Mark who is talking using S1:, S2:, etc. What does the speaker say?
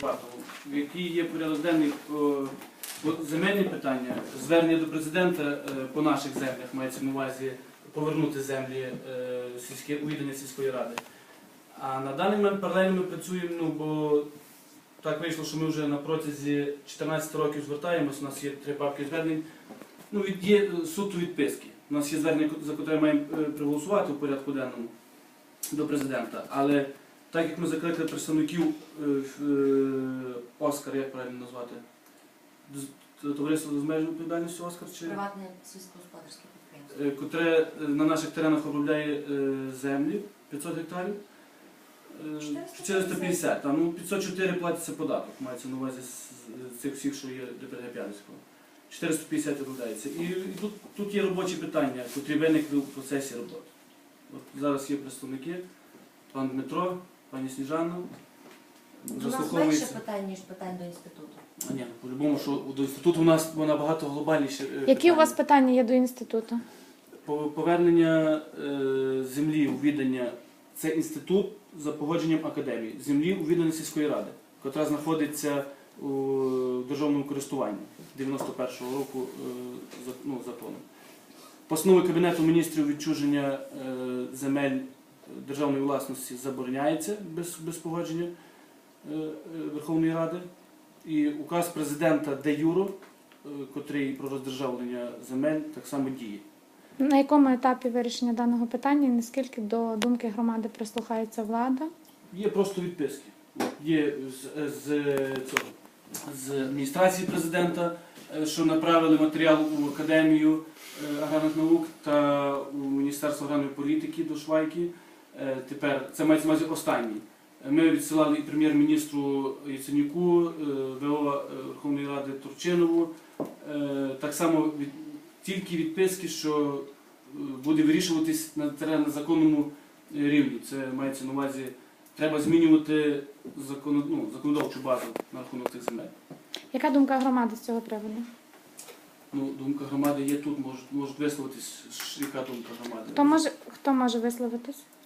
S1: Який є порядок денний земельні питання, звернення до президента по наших землях, мається на увазі повернути землі відання сільської ради. А на даний момент паралельно ми працюємо, бо так вийшло, що ми вже на протязі 14 років звертаємось, у нас є 3 папки звернень, є суто відписки. У нас є звернення, за яке маємо проголосувати у порядку денному до президента, але так як ми закликали представників Оскар, як правильно назвати? Товариство з обмеженою відповідальністю Оскар?
S2: Приватне сільськогосподарське підприємство.
S1: Котре на наших теренах обробляє землі 500 гектарів. 450, 504 платиться податок, мається на увазі з цих всіх, що є ДПГ П'ятницького. 450 обробляється. І тут є робочі питання, котрі виникли у процесі роботи. От зараз є представники, пан Дмитро, пані Сніжана.
S2: У нас менше питань, ніж питань до інституту.
S1: Ні, по-любому, що до інституту у нас набагато глобальніше.
S3: Які у вас питання є до інституту?
S1: Повернення землі у відання – це інститут за погодженням академії. Землі у відданні сільської ради, яка знаходиться у державному користуванні 91-го року законом. Постановою Кабінету міністрів відчуження земель державної власності забороняється без погодження Верховної Ради. І указ президента де юро, котрий про роздержавлення земель, так само діє.
S3: На якому етапі вирішення даного питання і наскільки до думки громади прислухається влада?
S1: Є просто відписки. Є з адміністрації президента, що направили матеріал у Академію аграрних наук та у Міністерство аграрної політики до Швайки. Тепер, це мається на увазі останній. Ми відсилали і прем'єр-міністру Яценюку, ВО Верховної Ради Турчинову. Так само тільки відписки, що буде вирішуватись на законному рівні. Це мається на увазі, треба змінювати законодавчу базу на рахунок цих земель.
S3: Яка думка громади з цього приводу?
S1: Думка громади є тут, можуть висловитись, яка думка громади.
S3: Хто може висловитись?